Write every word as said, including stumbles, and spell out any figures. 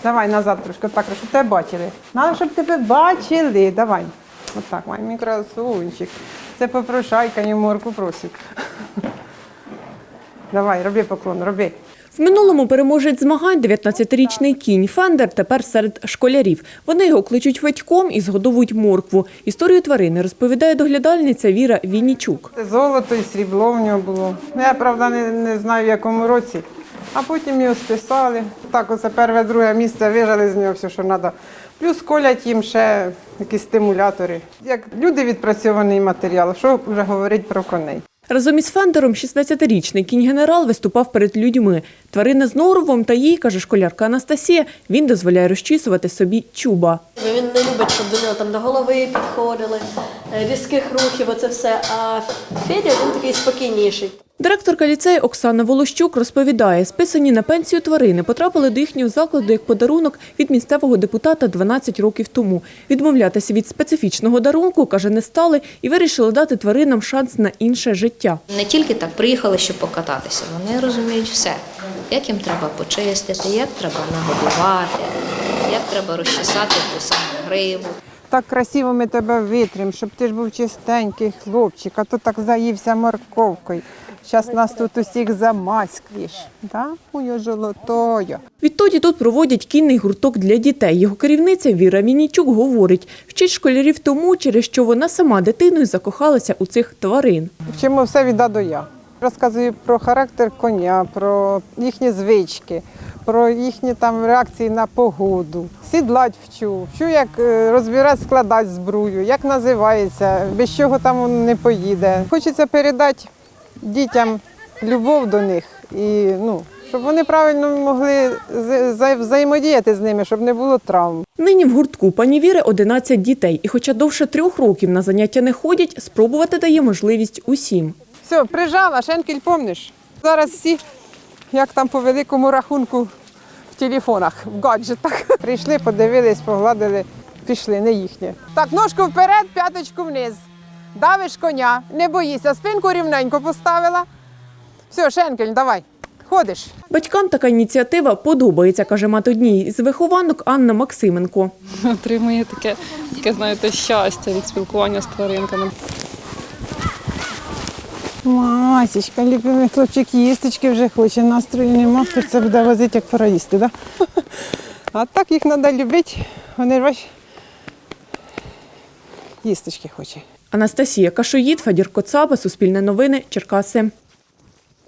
Давай назад трошки, так, щоб тебе бачили. Надо, щоб тебе бачили. Давай. Отак, май мій красунчик. Це попрошайка, і морку просить. Давай, роби поклон, роби. В минулому переможець змагань дев'ятнадцятирічний кінь Фендер тепер серед школярів. Вони його кличуть Федьком і згодовують моркву. Історію тварини розповідає доглядальниця Віра Віннічук. Це золото і срібло в нього було. Я, правда, не, не знаю, в якому році. А потім його списали. Так, оце перше, друге місце вижали з нього все, що треба. Плюс колять їм ще якісь стимулятори. Як люди відпрацьований матеріал, що вже говорить про коней. Разом із Фендером шістнадцятирічний кінь-генерал виступав перед людьми. Тварина з норовом та їй, каже школярка Анастасія, він дозволяє розчісувати собі чуба. Він не любить, щоб до нього там до голови підходили, різких рухів, оце все. А Федя, він такий спокійніший. Директорка ліцею Оксана Волощук розповідає, списані на пенсію тварини потрапили до їхнього закладу як подарунок від місцевого депутата дванадцять років тому. Відмовлятися від специфічного дарунку, каже, не стали і вирішили дати тваринам шанс на інше життя. Не тільки так приїхали, щоб покататися, вони розуміють все. Як їм треба почистити, як треба нагодувати, як треба розчесати ту саму гриву. Так красиво ми тебе витримо, щоб ти ж був чистенький хлопчик, а то так заївся морковкою. Зараз нас тут усіх замаскуєш, да? Ой, золотою. Відтоді тут проводять кінний гурток для дітей. Його керівниця Віра Віннічук говорить, вчить школярів тому, через що вона сама дитиною закохалася у цих тварин. Вчимо все від А до Я. Розказую про характер коня, про їхні звички, про їхні там реакції на погоду. Сідлать вчу, вчу, як розбирати, складати зброю, як називається, без чого там не поїде. Хочеться передати дітям любов до них, і, ну, щоб вони правильно могли взаємодіяти з ними, щоб не було травм. Нині в гуртку пані Віри одинадцять дітей. І хоча довше трьох років на заняття не ходять, спробувати дає можливість усім. Все, прижала, шенкель, помниш? Зараз всі, як там по великому рахунку, в телефонах, в гаджетах. Прийшли, подивились, погладили, пішли, не їхнє. Так, ножку вперед, п'яточку вниз. Давиш коня, не боїся, спинку рівненько поставила. Все, шенкель, давай, ходиш. Батькам така ініціатива подобається, каже мати однієї з вихованок Анна Максименко. Отримує таке, таке, знаєте, щастя від спілкування з тваринками. Масічка, любимий хлопчик, їсточки вже хоче, настрою нема, це буде возити, як пора їсти, да? А так їх треба любити, вони ж бач, їсточки хочуть. Анастасія Кашоїд, Федір Коцаба, Суспільне новини, Черкаси.